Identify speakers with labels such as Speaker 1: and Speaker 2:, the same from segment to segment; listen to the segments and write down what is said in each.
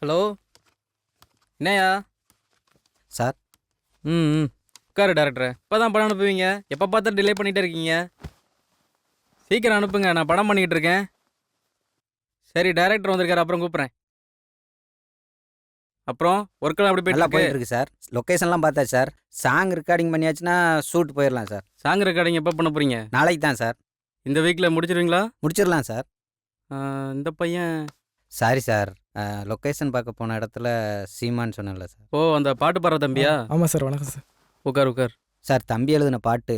Speaker 1: Hello, என்னையா
Speaker 2: sir.
Speaker 1: ம் உட்காரு டேரக்டர். இப்போ தான் படம் அனுப்புவீங்க, எப்போ பார்த்தா டிலே பண்ணிகிட்டே இருக்கீங்க. சீக்கிரம் அனுப்புங்க, நான் படம் பண்ணிக்கிட்டு இருக்கேன். சரி, டேரக்டர் வந்திருக்காரு, அப்புறம் கூப்பிட்றேன். அப்புறம் ஒர்க்கெல்லாம் எப்படி
Speaker 2: நல்லா
Speaker 1: போயிட்டு
Speaker 2: போயிட்டு இருக்கு சார். லொக்கேஷன்லாம் பார்த்தாச்சு சார். சாங் ரெக்கார்டிங் பண்ணியாச்சுன்னா ஷூட் போயிடலாம் சார்.
Speaker 1: சாங் ரெக்கார்டிங் எப்போ பண்ண போகிறீங்க?
Speaker 2: நாளைக்கு தான் சார்.
Speaker 1: இந்த வீக்கில் முடிச்சிருவீங்களா?
Speaker 2: முடிச்சிடலாம் சார்.
Speaker 1: இந்த பையன்
Speaker 2: சாரி சார், லொக்கேஷன் பார்க்க போன இடத்துல சீமான்னு சொன்னேன்ல சார்.
Speaker 1: ஓ, அந்த பாட்டு பாடுற தம்பியா?
Speaker 3: ஆமாம் சார். வணக்கம் சார்.
Speaker 1: உட்கார் உட்கார்.
Speaker 2: சார், தம்பி எழுதின பாட்டு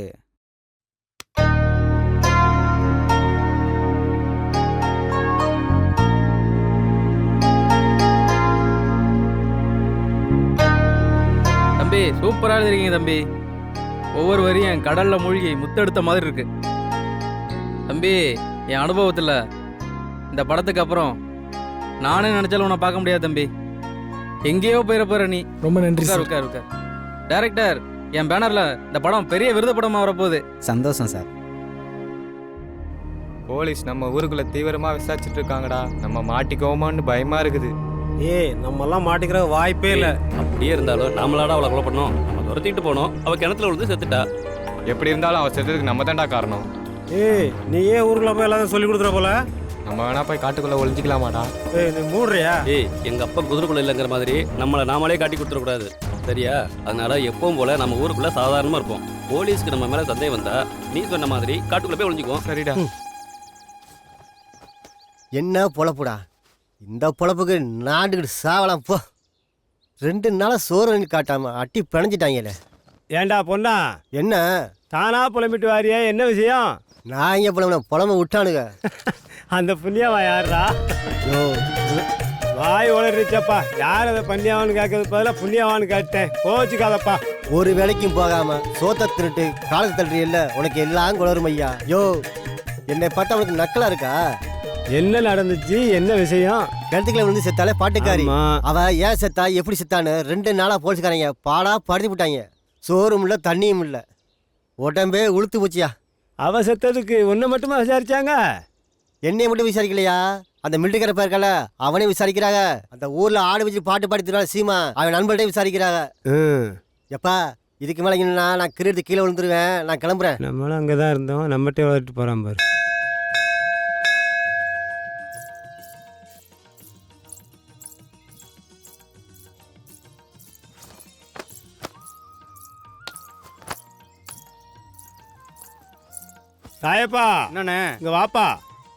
Speaker 1: தம்பி சூப்பராக எழுதிருக்கீங்க தம்பி. ஒவ்வொரு வரியும் கடலில் மூழ்கி முத்தெடுத்த மாதிரி இருக்கு தம்பி. என் அனுபவத்தில் இந்த படத்துக்கு அப்புறம் நானே நினச்சாலும் உன்னை பார்க்க முடியாது தம்பி. எங்கேயோ போயிட போகிற நீ.
Speaker 3: ரொம்ப நன்றி
Speaker 1: உட்கார்
Speaker 3: சார்.
Speaker 1: உட்கார் உட்கார். டைரக்டர், என் பேனரில் இந்த படம் பெரிய விருது படமாக வரப்போகுது.
Speaker 2: சந்தோஷம் சார்.
Speaker 4: போலீஸ் நம்ம ஊருக்குள்ள தீவிரமா விசாரிச்சுட்டு இருக்காங்கடா. நம்ம மாட்டிக்கோமான்னு பயமா இருக்குது.
Speaker 5: நம்மெல்லாம் மாட்டிக்கிற வாய்ப்பே இல்லை.
Speaker 6: அப்படியே இருந்தாலும் நம்மளாட அவளை கொலை பண்ணோம். நம்ம துரத்திட்டு போனோம், அவள் கிணத்துல விழுந்து செத்துட்டா.
Speaker 4: எப்படி இருந்தாலும் அவன் செத்ததுக்கு நம்ம தான்டா காரணம்.
Speaker 5: நீ ஏன் ஊருக்குள்ள போய் எல்லாத்தையும் சொல்லி கொடுத்துற போல?
Speaker 4: நம்ம வேணா போய் காட்டுக்குள்ள ஒளிஞ்சிக்கலாமாடா?
Speaker 5: நீ மூடுறியா?
Speaker 6: எங்க அப்பா குதிரைக்குள்ள இல்லைங்கிற மாதிரி நம்மளை நாமளே காட்டி கொடுத்துடக்கூடாது, சரியா? அதனால எப்பவும் போல நம்ம ஊருக்குள்ள சாதாரணமா இருப்போம். போலீஸ்க்கு நம்ம மேல சந்தேகம் வந்தா நீ சொன்ன மாதிரி காட்டுக்குள்ள போய் ஒளிஞ்சுக்குவோம்.
Speaker 4: சரிடா.
Speaker 7: என்ன பொழப்புடா இந்த பொழப்புக்கு நாண்டுக்கிட்டு சாவலாம் போ. 2 நாளாக சோறு காட்டாம அட்டி பிணைஞ்சிட்டாங்கல்ல.
Speaker 5: ஏண்டா பொண்ணா,
Speaker 7: என்ன
Speaker 5: தானா புலம்பிட்டு வாரியே, என்ன விஷயம்?
Speaker 7: நான் இங்கே புலம்ப விட்டானுங்க.
Speaker 5: அந்த புண்ணியவா யாரா?
Speaker 7: யோ,
Speaker 5: வாய் உளறிச்சப்பா. யார் அதை பன்னியாவான்னு கேட்கறது பதிலாக புண்ணியவான்னு கேட்டேன். கோச்சுக்காதப்பா.
Speaker 7: ஒரு வேலைக்கும் போகாம சோத்த திருட்டு காலத்து தள்ளுறியல்ல, உனக்கு எல்லாம் குளரும் ஐயா. யோ, என்னை பார்த்தா உனக்கு நக்கலா இருக்கா?
Speaker 5: என்ன நடந்துச்சு, என்ன விஷயம்?
Speaker 7: கிணத்துக்குள்ள விழுந்து செத்தாலே பாட்டுக்காரி.
Speaker 5: ஆமா.
Speaker 7: அவ ஏன் செத்தா எப்படி செத்தான்னு 2 நாளாக போலீஸ்காரங்க பாடா படுத்தி விட்டாங்க. சோறும் இல்லை தண்ணியும் இல்லை, உடம்பே உளுத்து போச்சியா.
Speaker 5: அவ செத்ததுக்கு ஒன்று மட்டுமா விசாரிச்சாங்க?
Speaker 7: என்னைய மட்டும் விசாரிக்கலையா, அந்த மிலிட்டரிக்கார இருக்கால அவனே விசாரிக்கிறாங்க. அந்த ஊர்ல ஆடு வச்சு பாட்டு பாடித்துறான் சீமா, அவன் நண்பர்கிட்ட விசாரிக்கிறாங்க. எப்பா, இதுக்கு மேலே என்னன்னா நான் கிரீடத்து கீழே விழுந்துருவேன். நான் கிளம்புறேன்.
Speaker 5: நம்மளும் அங்கே தான் இருந்தோம், நம்மகிட்டே வளர்த்து போகிறான் பாரு. சாயப்பா,
Speaker 1: என்னண்ணே?
Speaker 5: இங்க வாப்பா.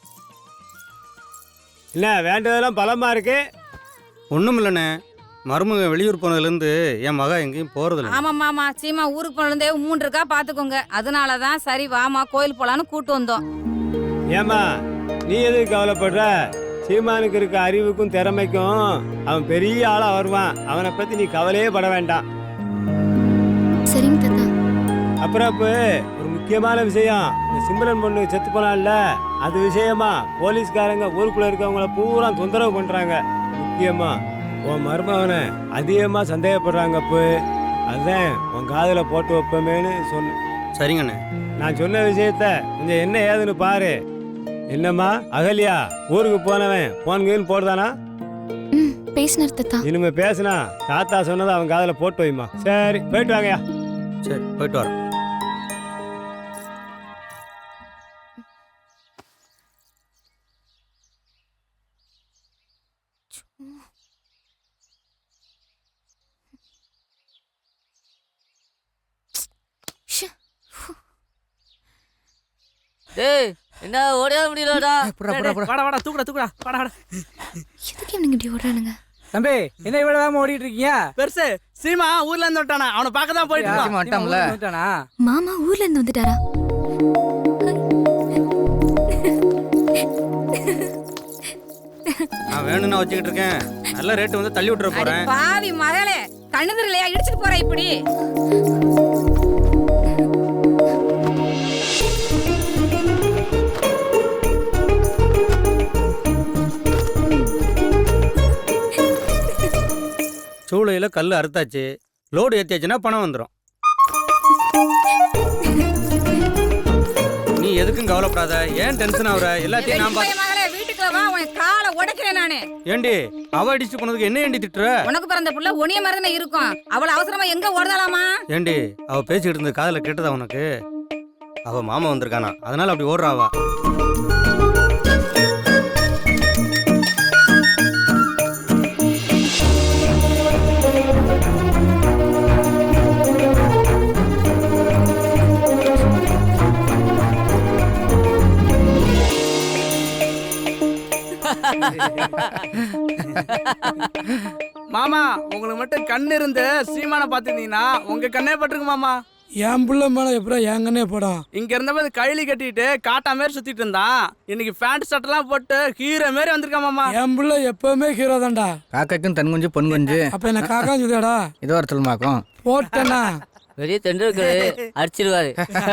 Speaker 5: என்ன வேண்டதெல்லாம் பலமா இருக்கு?
Speaker 8: ஒன்றும் இல்லைண்ணே, மருமக வெளியூர் போனதுலேருந்து என் மகன் எங்கேயும் போகிறதில்ல.
Speaker 9: ஆமாம் மாமா, சீமா ஊருக்கு போனதே 3 இருக்கா பார்த்துக்கோங்க. அதனால தான் சரி வாமா கோயில் போலான்னு கூட்டு வந்தோம்.
Speaker 5: ஏமா நீ எதுக்கு கவலைப்படுற? சீமானுக்கு இருக்க அறிவுக்கும் திறமைக்கும் அவன் பெரிய ஆளா வருவான். அவனை பத்தி நீ கவலையே பட வேண்டாம்.
Speaker 10: சரிங்க தாத்தா.
Speaker 5: அப்புறம் இப்போ ஒரு முக்கியமான விஷயம், இந்த சிம்ரன் பொண்ணு செத்து போனான்ல, அது விஷயமா போலீஸ்காரங்க ஊருக்குள்ள இருக்கவங்கள பூரா தொந்தரவு பண்றாங்க. முக்கியமா உன் மருமகனை அதிகமா சந்தேகப்படுறாங்க. இப்போ அதான் உன் காதுல போட்டு வைப்பமேன்னு சொன்னேன்.
Speaker 8: சரிங்கண்ணே.
Speaker 5: நான் சொன்ன விஷயத்த கொஞ்சம் என்ன ஏதுன்னு பாரு. என்னம்மா அகல்யா, ஊருக்கு போனவன் போன்கன்னு போடுதானா?
Speaker 10: பேசினார் தாத்தா.
Speaker 5: இனிமே பேசுனா தாத்தா சொன்னதை அவன் காதுல போட்டு வைமா. சரி, போயிட்டு வாங்கயா.
Speaker 8: சரி, போயிட்டு வரோம்.
Speaker 11: டேய், என்ன ஓடியா முடியலடா?
Speaker 1: வாடா வாடா, தூக்குடா தூக்குடா, வாடா வாடா.
Speaker 10: எதுக்கு இவனுங்க இப்படி ஓடுறானுங்க?
Speaker 1: தம்பி, என்ன இவ்வளவு வேகமா ஓடிட்டு இருக்கீங்க? பெருசு சீமா ஊர்ல இருந்து வந்துட்டானா, அவனை பார்க்க தான் போயிட்டு வந்துட்டானா.
Speaker 10: மாமா ஊர்ல இருந்து வந்துட்டாரா?
Speaker 8: நான் வேணும்னா வச்சுக்கிட்டு இருக்கேன். நல்ல ரேட்டு வந்து தள்ளி விட்டுற போறேன்.
Speaker 9: பாவி மகளே, கண்ணுதிரலையா இடிச்சிட்டு போற இப்படி?
Speaker 8: சூளையில் கல் அறுத்தாச்சு, லோடு ஏற்றியாச்சுன்னா பணம் வந்துடும். நீ எதுக்கும் கவலைப்படாத, ஏன் டென்ஷன் ஆகுற? எல்லாத்தையும் நான்
Speaker 9: மகளே வீட்டுக்குள்ள வா, உன் காலை உடைக்கிறேன் நானு.
Speaker 8: ஏண்டி அவ அடிச்சு போனதுக்கு என்ன ஏண்டி திட்டுற?
Speaker 9: உனக்கு பிறந்த புள்ள ஒனிய மருந்தன இருக்கும். அவள அவசரமா எங்க ஓடுதாலாமா?
Speaker 8: ஏண்டி அவ பேசிக்கிட்டு இருந்தது காதுல கேட்டதா உனக்கு? அவ மாமா வந்திருக்கானா, அதனால அப்படி ஓடுறாவா?
Speaker 1: மாமா உங்களுக்கு மட்டும் கண் இருந்து சீமானை பார்த்துருந்தீங்கன்னா உங்க கண்ணே பட்டிருக்கு மாமா.
Speaker 5: என் புள்ள மேல எப்பறம் என் கண்ணே போடும்.
Speaker 1: இங்க இருந்தபோது கைலி கட்டிட்டு காட்டா மாரி சுத்திட்டு இருந்தான். இன்னைக்கு பேண்ட் சட்டெல்லாம் போட்டு ஹீரோ மாரி வந்திருக்கான் மாமா.
Speaker 5: என் புள்ள எப்பவுமே ஹீரோ தான்டா.
Speaker 2: காக்காக்கும் தன் குஞ்சு பொன் குஞ்சு.
Speaker 5: அப்ப என்ன காக்கா சொல்லுடா.
Speaker 2: இதோ ஒரு சொல்லுமாக்கும்
Speaker 5: போட்டனா
Speaker 11: வெளியே தெண்டுருக்காரு அடிச்சிருவாரு.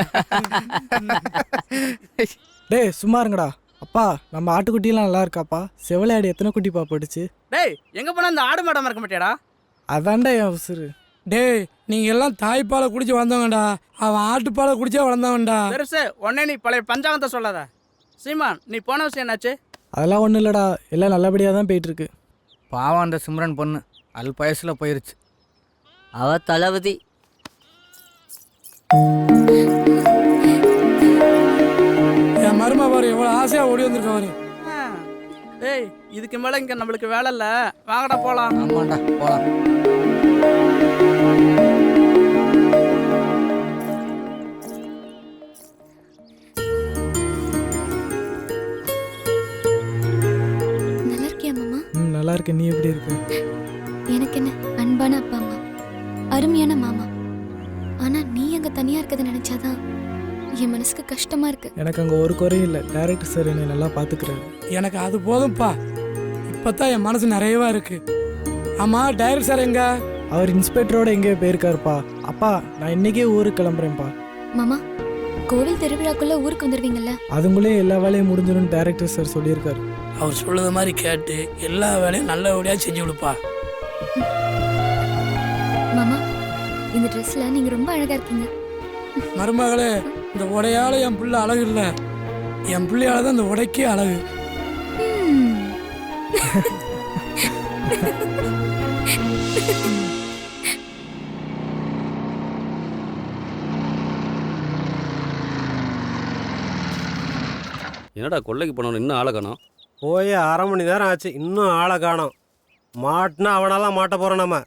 Speaker 5: டேய் சும்மா இருங்கடா. அப்பா நம்ம ஆட்டுக்குட்டியெல்லாம் நல்லா இருக்காப்பா? செவலையாடு எத்தனை குட்டிப்பா போட்டுச்சு?
Speaker 1: டேய் எங்க போனா அந்த ஆடு மாடம் இருக்க மாட்டியாடா?
Speaker 5: அதான்டா என் உசுரு. டேய் நீங்க எல்லாம் தாய்ப்பாலை குடிச்சு வளர்ந்தவங்கடா. அவன் ஆட்டுப்பாலை குடிச்சா வளர்ந்தவன்டா.
Speaker 1: பெருசு உடனே நீ பழைய பஞ்சாங்கத்தை சொல்லாத. சீமான் நீ போன விஷயம் என்னாச்சு?
Speaker 5: அதெல்லாம் ஒன்றும் இல்லைடா, எல்லாம் நல்லபடியாக தான் போயிட்டு இருக்கு.
Speaker 2: பாவம் அந்த சிம்ரன் பொண்ணு அல் வயசுல போயிருச்சு.
Speaker 11: அவ தளபதி.
Speaker 5: என் மருமா பாரு எவ்வளோ ஆசையாக ஓடி வந்திருக்காரு.
Speaker 1: டேய் இதுக்கு மேல இங்க நம்மளுக்கு வேலை இல்ல, வாங்கடா போலாம்.
Speaker 2: ஆமாண்டா போலாம்.
Speaker 10: நல்லா இருக்கியா மாமா?
Speaker 5: நல்லா இருக்கு. நீ எப்படி இருக்க?
Speaker 10: எனக்கு என்ன அன்பான அப்பா அம்மா, அருமையான மாமா. ஆனா நீ அங்க தனியா இருக்கதை நினைச்சாதான் என் மனசுக்கு கஷ்டமா இருக்கு.
Speaker 5: எனக்கு அங்கே ஒரு குறையும் இல்லை. டைரக்டர் சார் என்னை நல்லா பார்த்துக்கிறாரு. எனக்கு அது போதும்ப்பா. இப்போதான் என் மனசு நிறையவா இருக்கு. ஆமா டைரக்டர் சார் எங்க? அவர் இன்ஸ்பெக்டரோட எங்கேயோ போயிருக்காருப்பா. அப்பா நான் இன்னைக்கே ஊருக்கு கிளம்புறேன்ப்பா.
Speaker 10: மாமா, கோவில் திருவிழாக்குள்ள ஊருக்கு வந்துருவீங்கல்ல?
Speaker 5: அதுங்களே எல்லா வேலையும் முடிஞ்சிடும் டைரக்டர் சார் சொல்லியிருக்காரு.
Speaker 3: அவர் சொல்லுற மாதிரி கேட்டு எல்லா வேலையும் நல்லபடியாக செஞ்சு கொடுப்பா.
Speaker 10: மாமா, இந்த ட்ரெஸ்ல நீங்க ரொம்ப அழகா இருக்கீங்க.
Speaker 5: மருமகளே, இந்த உடையால என் பிள்ளை அழகு இல்லை, என் பிள்ளையால தான் இந்த உடைக்கே அழகு.
Speaker 6: என்னடா கொள்ளைக்கு போனவன் இன்னும் ஆளை காணோம்?
Speaker 5: போய் 1/2 மணி நேரம் ஆச்சு, இன்னும் ஆளை காணோம். மாட்டினா அவனாலாம் மாட்ட போகிறோம் நம்ம.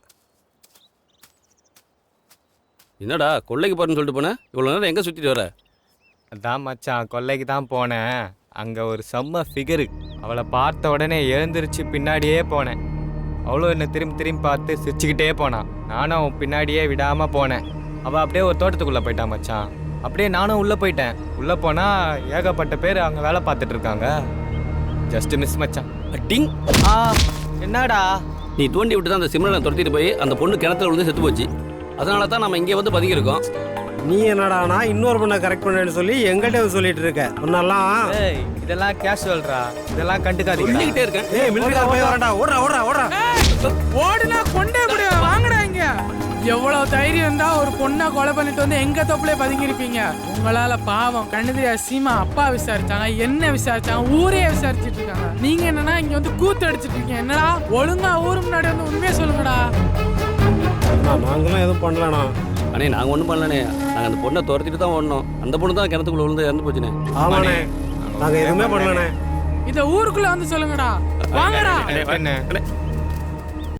Speaker 6: என்னடா கொள்ளைக்கு போறேன்னு சொல்லிட்டு போனேன், இவ்வளோ நேரம் எங்கே சுற்றிட்டு வர?
Speaker 4: அதான் மச்சான் கொல்லைக்கு தான் போனேன். அங்கே ஒரு செம்ம ஃபிகரு. அவளை பார்த்த உடனே எழுந்திருச்சு பின்னாடியே போனேன். அவளும் என்னை திரும்பி திரும்பி பார்த்து சிரிச்சுக்கிட்டே போனான். நானும் அவன் பின்னாடியே விடாமல் போனேன். அவள் அப்படியே ஒரு தோட்டத்துக்குள்ளே போயிட்டான் மச்சான். அப்படியே நானும் உள்ளே போயிட்டேன். உள்ளே போனால் ஏகப்பட்ட பேர் அங்கே வேலை பார்த்துட்டு இருக்காங்க. ஜஸ்ட் மிஸ் மச்சான்.
Speaker 6: டிங்.
Speaker 4: என்னடா
Speaker 6: நீ தூண்டி விட்டு தான் அந்த சிம்ரனை துரத்திட்டு போய் அந்த பொண்ணு கிணத்துல விழுந்து செத்து போச்சு. அதனால தான் நம்ம இங்கே வந்து பதுங்கியிருக்கோம்.
Speaker 5: நீ என்னடானா இன்னொரு பொண்ணை கரெக்ட் பண்ணேன்னு சொல்லி எங்கிட்ட சொல்லிட்டு இருக்க. முன்னெல்லாம்
Speaker 4: ஏய் இதெல்லாம் கேஷுவல்ரா, இதெல்லாம் கண்டுக்காதீங்க.
Speaker 6: சொல்லிக்கிட்டே இருக்கேன்.
Speaker 5: ஏய் மிலிட்டரி போய் வரடா. ஓடுறா ஓடுறா ஓடுறா.
Speaker 3: ஓடுனா கொண்டே முடியா, வாங்கடா இங்க. எவ்வளவு தைரியம் இருந்தா ஒரு பொண்ணை கொலை பண்ணிட்டு வந்து எங்க தொப்புலே பதுங்கி இருப்பீங்க? உங்களால பாவம் கண்ணு தெரியாது சீமா அப்பா விசாரிச்சாங்க, என்ன விசாரிச்சாங்க, ஊரே விசாரிச்சுட்டு இருக்காங்க. நீங்க என்னன்னா இங்க வந்து கூத்து அடிச்சிட்டு இருக்கீங்க. என்னடா ஒழுங்கா ஊரு முன்னாடி வந்து உண்மையை சொல்லுங்கடா.
Speaker 5: நாங்களும் எதுவும் பண்ணலண்ணா.
Speaker 6: அண்ணே நாங்கள் ஒன்றும் பண்ணலண்ணே, நாங்கள் அந்த பொண்ணை துரத்திட்டு தான் ஓடணும். அந்த பொண்ணு தான் கிணத்துக்குள்ள விழுந்து இறந்து போச்சுண்ணே.
Speaker 5: ஆமாண்ணே, நாங்கள் எதுவுமே பண்ணலண்ணே.
Speaker 3: இத ஊருக்குள்ள வந்து சொல்லுங்கடா, வாங்கடா.
Speaker 4: என்ன